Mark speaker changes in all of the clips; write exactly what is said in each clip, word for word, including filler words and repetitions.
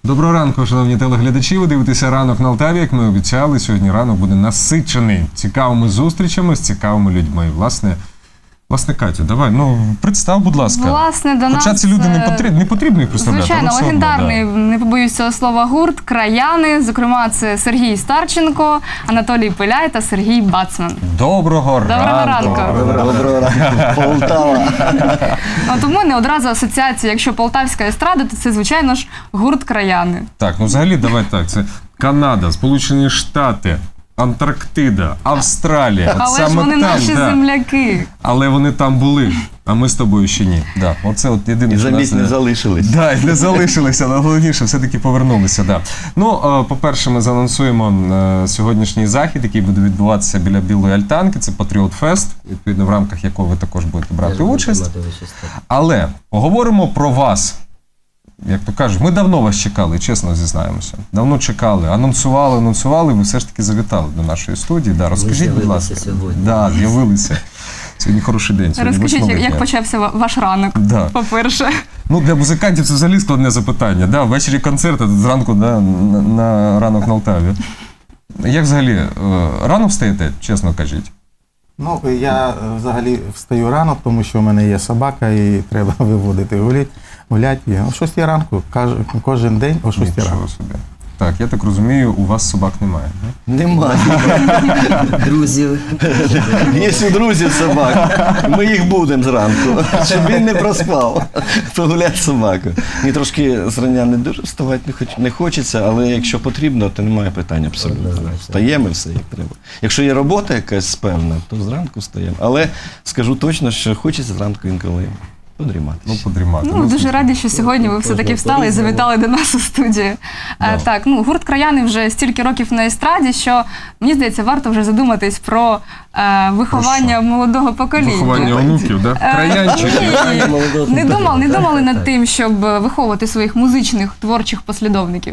Speaker 1: Доброго ранку, шановні телеглядачі. Ви дивитеся «Ранок на Алтаві». Як ми обіцяли, сьогодні ранок буде насичений цікавими зустрічами з цікавими людьми. Власне, власне, Катю, давай, ну, представ, будь ласка.
Speaker 2: Власне, до
Speaker 1: Хоча
Speaker 2: нас...
Speaker 1: ці люди не потрібно, не потрібно їх представляти.
Speaker 2: Звичайно,
Speaker 1: але
Speaker 2: легендарний,
Speaker 1: одно, да.
Speaker 2: не побоюсь цього слова, гурт «Краяни». Зокрема, це Сергій Старченко, Анатолій Пиляй та Сергій Бацман.
Speaker 1: Доброго,
Speaker 2: Доброго
Speaker 1: ранку.
Speaker 2: ранку.
Speaker 3: Доброго ранку, Полтава.
Speaker 2: От у мене одразу асоціація, якщо полтавська естрада, то це, звичайно ж, гурт «Краяни».
Speaker 1: Так, ну взагалі, давай так, це Канада, Сполучені Штати, Антарктида, Австралія. От
Speaker 2: Але ж
Speaker 1: саме
Speaker 2: вони
Speaker 1: там,
Speaker 2: наші
Speaker 1: да.
Speaker 2: земляки.
Speaker 1: Але вони там були, а ми з тобою ще ні. Да. Оце от єдине,
Speaker 3: І
Speaker 1: що
Speaker 3: замість
Speaker 1: нас...
Speaker 3: не залишились.
Speaker 1: Да, і не залишилися, але головніше, все-таки повернулися. Да. Ну, е, по-перше, ми заанонсуємо е, сьогоднішній захід, який буде відбуватися біля Білої Альтанки. Це Патріот Фест, відповідно, в рамках якого ви також будете брати участь. Але поговоримо про вас. Як то кажуть, ми давно вас чекали, чесно зізнаємося. Давно чекали, анонсували, анонсували, ви все ж таки завітали до нашої студії. Да, розкажіть, будь ласка.
Speaker 4: Сьогодні.
Speaker 1: Да, з'явилися. Сьогодні хороший день. Сьогодні
Speaker 2: Розкажіть,
Speaker 1: восьмого
Speaker 2: як, як
Speaker 1: дня.
Speaker 2: почався ва- ваш ранок,
Speaker 1: Да.
Speaker 2: по-перше.
Speaker 1: Ну, для музикантів це взагалі складне запитання. Да, ввечері концерт, а зранку да, на, на ранок на Алтаві. Як взагалі, е, рано встаєте, чесно кажіть?
Speaker 5: Ну, я е, взагалі встаю рано, тому що в мене є собака і треба виводити гулять, гулять. І о шостій ранку, каж- кожен день о шостій ранку.
Speaker 1: Нічого собі. Так, я так розумію, у вас собак немає. Да?
Speaker 3: Немає.
Speaker 4: Друзів.
Speaker 3: Є у друзів собак. Ми їх будемо зранку, щоб він не проспав. Погуляти собаку. Мені трошки зрання не дуже вставати не, хоч, не хочеться, але якщо потрібно, то немає питань абсолютно.
Speaker 4: Однозначно.
Speaker 3: Встаємо все як треба. Якщо є робота якась певна, то зранку встаємо. Але скажу точно, що хочеться зранку інколи подрімати.
Speaker 1: Ну, подрімати.
Speaker 2: Ну, дуже раді, що сьогодні ви все-таки встали і завітали до нас у студію. Е, Так, ну, гурт «Краяни» вже стільки років на естраді, що, мені здається, варто вже задуматись про е, виховання молодого покоління.
Speaker 1: Виховання онуків, да?
Speaker 2: Е,
Speaker 1: Краянчики.
Speaker 2: ні,
Speaker 4: Молодого
Speaker 2: Не думали, не
Speaker 4: покоління.
Speaker 2: думали
Speaker 4: Так,
Speaker 2: над
Speaker 4: так.
Speaker 2: тим, щоб виховувати своїх музичних, творчих послідовників?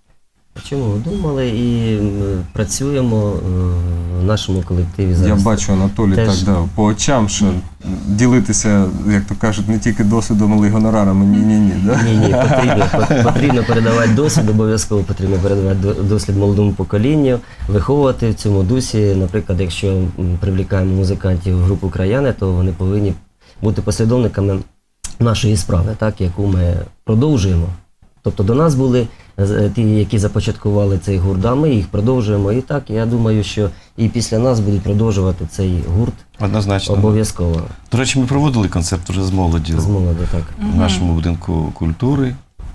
Speaker 4: Чому? Думали і м, працюємо е, в нашому колективі
Speaker 1: Я
Speaker 4: зараз.
Speaker 1: бачу, Анатолій,
Speaker 4: Теж.
Speaker 1: так, да, по очам, що ділитися, як то кажуть, не тільки досвідом, але й гонорарами. Ні-ні-ні, да?
Speaker 4: Ні, ні, потрібно, по- потрібно передавати досвід, обов'язково потрібно передавати до- досвід молодому поколінню, виховувати в цьому дусі. Наприклад, якщо м, привлікаємо музикантів в групу «Краяни», то вони повинні бути послідовниками нашої справи, так, яку ми продовжуємо. Тобто до нас були е, ті, які започаткували цей гурт, а ми їх продовжуємо. І так, я думаю, що і після нас будуть продовжувати цей гурт
Speaker 3: Однозначно.
Speaker 4: обов'язково.
Speaker 3: До речі, ми проводили концерт вже з молоддю
Speaker 4: З молоду, так.
Speaker 3: в нашому будинку культури.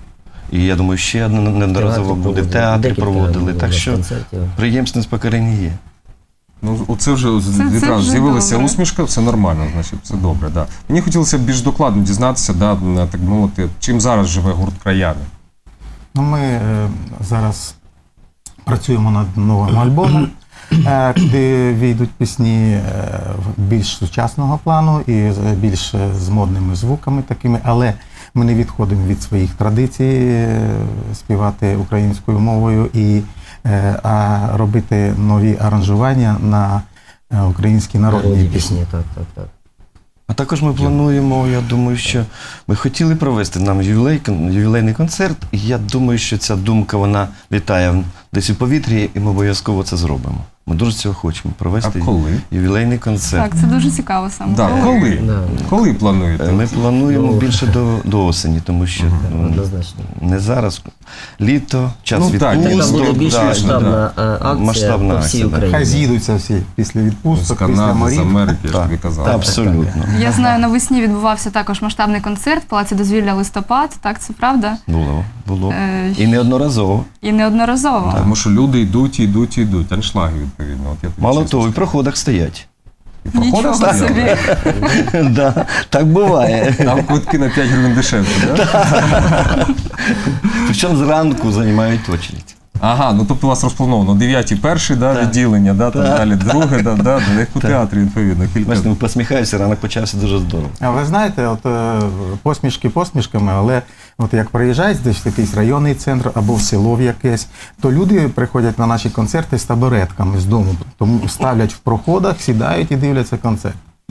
Speaker 3: І я думаю, ще неодноразово буде. В театрі
Speaker 4: Декілька
Speaker 3: проводили.
Speaker 4: було
Speaker 3: Так що
Speaker 4: концертів.
Speaker 3: приємственність покорення є.
Speaker 1: Ну, оце вже
Speaker 2: це
Speaker 1: відразу
Speaker 2: вже
Speaker 1: з'явилася
Speaker 2: добре.
Speaker 1: усмішка, все нормально, значить, все добре. Да. Мені хотілося б більш докладно дізнатися, да, на, так мовити, чим зараз живе гурт «Краяни».
Speaker 5: Ну, ми е, зараз працюємо над новим альбомом, е, куди війдуть пісні е, більш сучасного плану і з- більш е, з модними звуками такими, але ми не відходимо від своїх традицій е, співати українською мовою і е, а робити нові аранжування на е, українські народні
Speaker 4: Народні
Speaker 5: пісні.
Speaker 4: пісні, так, так, так.
Speaker 3: А також ми плануємо, я думаю, що ми хотіли провести нам ювілей, ювілейний концерт, і я думаю, що ця думка, вона літає десь у повітрі, і ми обов'язково це зробимо. Ми дуже цього хочемо провести
Speaker 1: А коли?
Speaker 3: ювілейний концерт.
Speaker 2: Так, це дуже цікаво саме.
Speaker 1: Да, коли?
Speaker 4: Да.
Speaker 1: Коли плануєте?
Speaker 3: Е, Ми плануємо
Speaker 4: Ну,
Speaker 3: більше до, до осені, тому що ну,
Speaker 4: Однозначно.
Speaker 3: не зараз. Літо, час
Speaker 1: Ну, так,
Speaker 4: Така
Speaker 3: відпусток.
Speaker 4: буде більш
Speaker 3: да,
Speaker 4: масштабна
Speaker 3: да.
Speaker 4: е, акція
Speaker 3: Масштабна
Speaker 4: по всій
Speaker 3: акція, да.
Speaker 4: Україні.
Speaker 5: Хай з'їдуться всі після
Speaker 1: З
Speaker 5: відпусток, після
Speaker 1: Канади, з
Speaker 5: морів.
Speaker 1: Америки, я ж
Speaker 3: Так,
Speaker 1: тобі казав.
Speaker 3: та, абсолютно.
Speaker 2: Я знаю, навесні відбувався також масштабний концерт в Палаці дозвілля «Листопад», так, це правда?
Speaker 3: Було, було.
Speaker 2: Е,
Speaker 3: І неодноразово.
Speaker 2: І неодноразово.
Speaker 1: Тому що люди йдуть, і йдуть, і йдуть. Аншлаги, відповідно. От я тобі
Speaker 3: Мало
Speaker 1: чесно
Speaker 3: того, і в
Speaker 1: скажу.
Speaker 3: проходах стоять.
Speaker 1: І проходить
Speaker 2: Нічого
Speaker 1: стояли?
Speaker 2: собі.
Speaker 3: Да, так буває.
Speaker 1: Там квитки на п'ять гривень дешевше, да?
Speaker 3: Причому зранку займають очередь.
Speaker 1: Ага, ну тобто у вас розплановано дев'ятий перший, да,
Speaker 3: Так.
Speaker 1: відділення, да, там
Speaker 3: Так.
Speaker 1: далі друге, да, да, да, як у
Speaker 3: Так.
Speaker 1: театрі, відповідно, кілька.
Speaker 3: Бачите, ми посміхаємося, ранок почався дуже здорово.
Speaker 5: А ви знаєте, от е, посмішки посмішками, але от як приїжджають десь в якийсь районний центр або в село в якесь, то люди приходять на наші концерти з табуретками з дому, тому ставлять в проходах, сідають і дивляться концерт.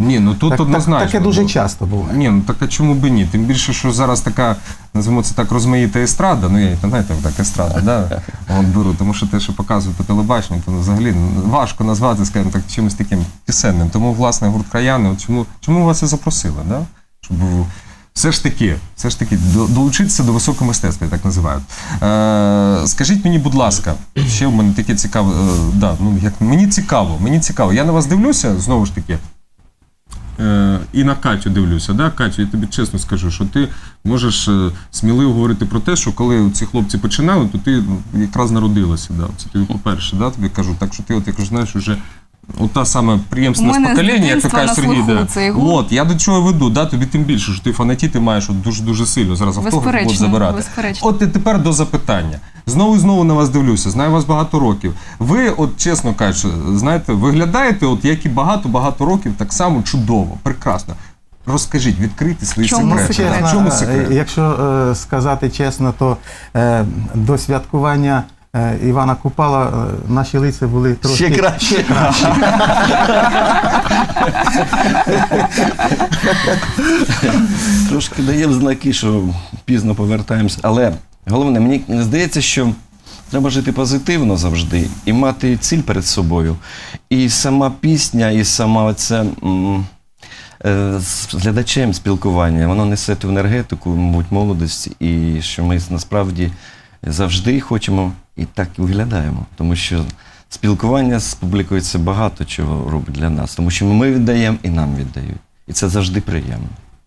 Speaker 1: Ні, ну тут
Speaker 5: Так, так,
Speaker 1: однозначно.
Speaker 5: таке дуже
Speaker 1: ну,
Speaker 5: часто буває.
Speaker 1: Ні, ну так а чому б і ні? Тим більше, що зараз така, називаємо це так, розмаїта естрада, ну я її, знаєте, так, естрада, да? От беру, тому що те, що показують по телебаченню, то взагалі важко назвати, скажімо так, чимось таким пісенним. Тому, власне, гурт «Краяни», от чому, чому вас і запросили, да? Щоб все ж таки, все ж таки до- долучитися до високого мистецтва, я так називаю. Е, скажіть мені, будь ласка, ще в мене таке цікаве, е, да, ну, як, мені цікаво, мені цікаво. Я на вас дивлюся, знову ж таки, Е, і на Катю дивлюся. Да? Катю, я тобі чесно скажу, що ти можеш е, сміливо говорити про те, що коли ці хлопці починали, то ти ну, якраз народилася. Да? Це тобі по-перше, да? Тобі кажу. Так що ти, от, як знаєш, вже от та саме приємственне
Speaker 2: У мене з
Speaker 1: покоління, як
Speaker 2: дитинства
Speaker 1: каже
Speaker 2: на
Speaker 1: Сергій.
Speaker 2: слуху
Speaker 1: Да.
Speaker 2: цей гурт.
Speaker 1: От, я до чого веду, да? Тобі тим більше, що ти фанатіти маєш от дуже-дуже сильно. Зараз автограф будуть
Speaker 2: Безперечно,
Speaker 1: забирати.
Speaker 2: безперечно.
Speaker 1: От і тепер до запитання. Знову і знову на вас дивлюся, знаю вас багато років. Ви, от чесно кажучи, знаєте, виглядаєте, от як і багато-багато років, так само чудово, прекрасно. Розкажіть, відкрийте свої
Speaker 2: Чому
Speaker 1: секрети.
Speaker 2: секрет?
Speaker 1: В чому секрет?
Speaker 5: е, Якщо е, сказати чесно, то е, до святкування е, Івана Купала е, наші лиця були трошки
Speaker 3: Ще краще.
Speaker 5: ще краще.
Speaker 3: Трошки даємо знаки, що пізно повертаємось. Але головне, мені здається, що треба жити позитивно завжди і мати ціль перед собою. І сама пісня, і сама оця м, е, з глядачем спілкування, воно несе ту енергетику, мабуть, молодості, і що ми насправді завжди хочемо і так і виглядаємо. Тому що спілкування з публікою це багато чого робить для нас. Тому що ми віддаємо і нам віддають. І це завжди приємно.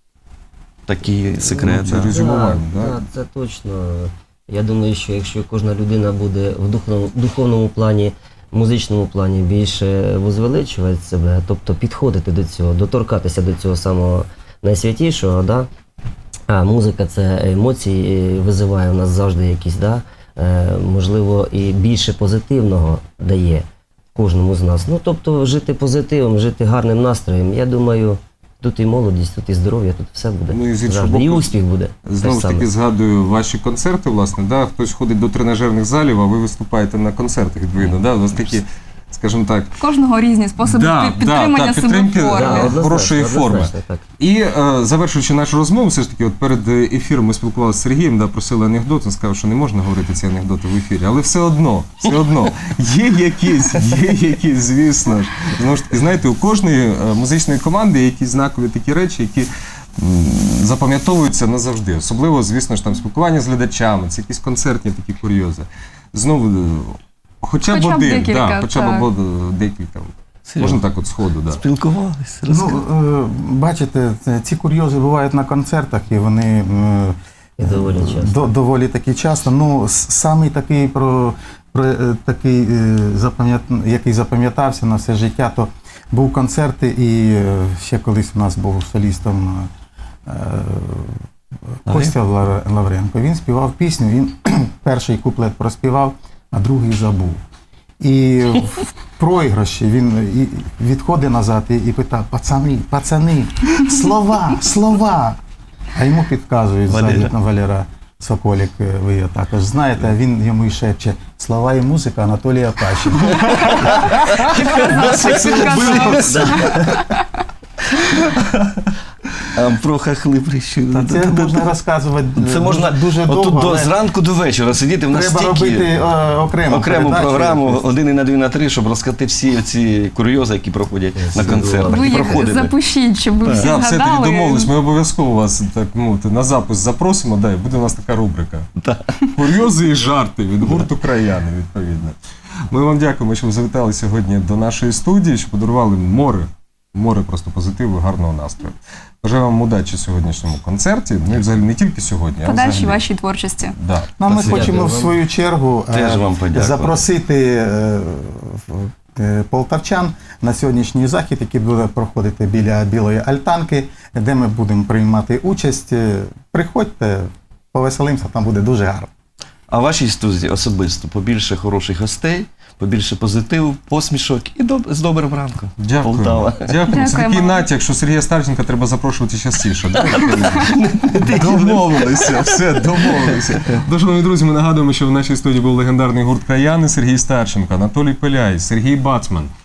Speaker 3: Такий секрет.
Speaker 1: Ну, це
Speaker 3: да.
Speaker 1: резюмування, да?
Speaker 4: Так, це точно. Я думаю, що якщо кожна людина буде в духовному, духовному плані, музичному плані більше возвеличувати себе, тобто підходити до цього, доторкатися до цього самого найсвятішого, да? А музика це емоції, і визиває в нас завжди якісь, да? е, можливо, і більше позитивного дає кожному з нас. Ну, тобто жити позитивом, жити гарним настроєм, я думаю, тут і молодість, тут і здоров'я, тут все буде.
Speaker 1: Ну, і з іншого
Speaker 4: Завжди. І
Speaker 1: боку,
Speaker 4: успіх буде.
Speaker 1: Знову ж
Speaker 4: Те
Speaker 1: таки
Speaker 4: саме.
Speaker 1: згадую ваші концерти, власне, да? Хтось ходить до тренажерних залів, а ви виступаєте на концертах, відповідно. Да? У вас такі, скажімо так,
Speaker 2: Кожного різні способи
Speaker 1: Да,
Speaker 2: під- підтримання
Speaker 1: да, да,
Speaker 2: себе
Speaker 1: підтримки,
Speaker 2: в формі.
Speaker 1: да,
Speaker 4: однозначно,
Speaker 1: хорошої форми.
Speaker 4: однозначно, так.
Speaker 1: І е, завершуючи нашу розмову, все ж таки, от перед ефіром ми спілкувалися з Сергієм, да, просили анекдот, він сказав, що не можна говорити ці анекдоти в ефірі, але все одно, все одно, є якісь, є якісь, звісно ж. Знову ж таки, знаєте, у кожної е, музичної команди є якісь знакові такі речі, які м, запам'ятовуються назавжди. Особливо, звісно ж, там спілкування з глядачами, це якісь концертні такі курйози. Знову, е, хоча б
Speaker 2: Хоча б
Speaker 1: один,
Speaker 2: декілька,
Speaker 1: да, хоча б
Speaker 2: так.
Speaker 1: од- декілька. Можна так от сходу, да.
Speaker 3: Спілкувалися,
Speaker 5: Ну,
Speaker 3: розказали.
Speaker 5: е, бачите, це- ці курйози бувають на концертах, і вони е,
Speaker 4: І доволі часто.
Speaker 5: до- доволі таки часто. Ну, с- самий такий, про, про, е, такий е, запам'ят- який запам'ятався на все життя, то був концерт, і е, ще колись у нас був солістом е, Костя Лав- Лавренко. Він співав пісню, він перший куплет проспівав, а другий забув. І в проіграші він і відходить назад і, і питає: пацани, пацани, слова, слова. А йому підказують
Speaker 3: Валера.
Speaker 5: ззаді на Валера Соколік, ви його також знаєте, а він йому і шепче: слова і музика Анатолія Пащенка.
Speaker 3: А про хахли прищу.
Speaker 5: Та це можна розказувати
Speaker 3: Це можна
Speaker 5: дуже
Speaker 3: отут
Speaker 5: довго,
Speaker 3: до,
Speaker 5: але
Speaker 3: зранку до вечора сидіти. В нас
Speaker 5: треба
Speaker 3: стільки
Speaker 5: робити е, окрему,
Speaker 3: окрему
Speaker 5: передачу
Speaker 3: програму
Speaker 5: якусь.
Speaker 3: один і на дві на три, щоб розказати всі ці курйози, які проходять на
Speaker 4: Це
Speaker 3: концертах.
Speaker 2: Ви
Speaker 3: і
Speaker 2: їх
Speaker 3: проходили.
Speaker 2: запишіть, щоб ви всі
Speaker 1: Да, все тоді
Speaker 2: згадали.
Speaker 1: домовились. Ми обов'язково вас так мовити на запис запросимо. Да, і буде у нас така рубрика.
Speaker 3: Да.
Speaker 1: Курйози і жарти від гурту «Краяни», відповідно. Ми вам дякуємо, що ви завітали сьогодні до нашої студії, що подарували море, море просто позитиву, гарного настрою. Бажаю вам удачі в сьогоднішньому концерті. Ну і взагалі не тільки сьогодні, а
Speaker 2: Подальші
Speaker 1: взагалі.
Speaker 2: вашій творчості.
Speaker 1: Да.
Speaker 5: Ну, а ми
Speaker 3: Спасибо.
Speaker 5: хочемо в
Speaker 4: Дякую
Speaker 5: свою чергу е,
Speaker 3: Теж вам подякувати.
Speaker 5: запросити е, в- е, полтавчан на сьогоднішній захід, який буде проходити біля Білої Альтанки, де ми будемо приймати участь. Е, Приходьте, повеселимося, там буде дуже гарно.
Speaker 3: А в вашій студії особисто побільше хороших гостей, побільше позитиву, посмішок і доб- з добрим ранком.
Speaker 1: Дякую.
Speaker 3: Полтава.
Speaker 1: Дякую. Це
Speaker 2: Дякуємо.
Speaker 1: такий натяк, що Сергія Старченка треба запрошувати частіше. Да? Домовилися, все, домовилися. Тож, шановні друзі, ми нагадуємо, що в нашій студії був легендарний гурт «Краяни», Сергій Старченко, Анатолій Пиляй, Сергій Бацман.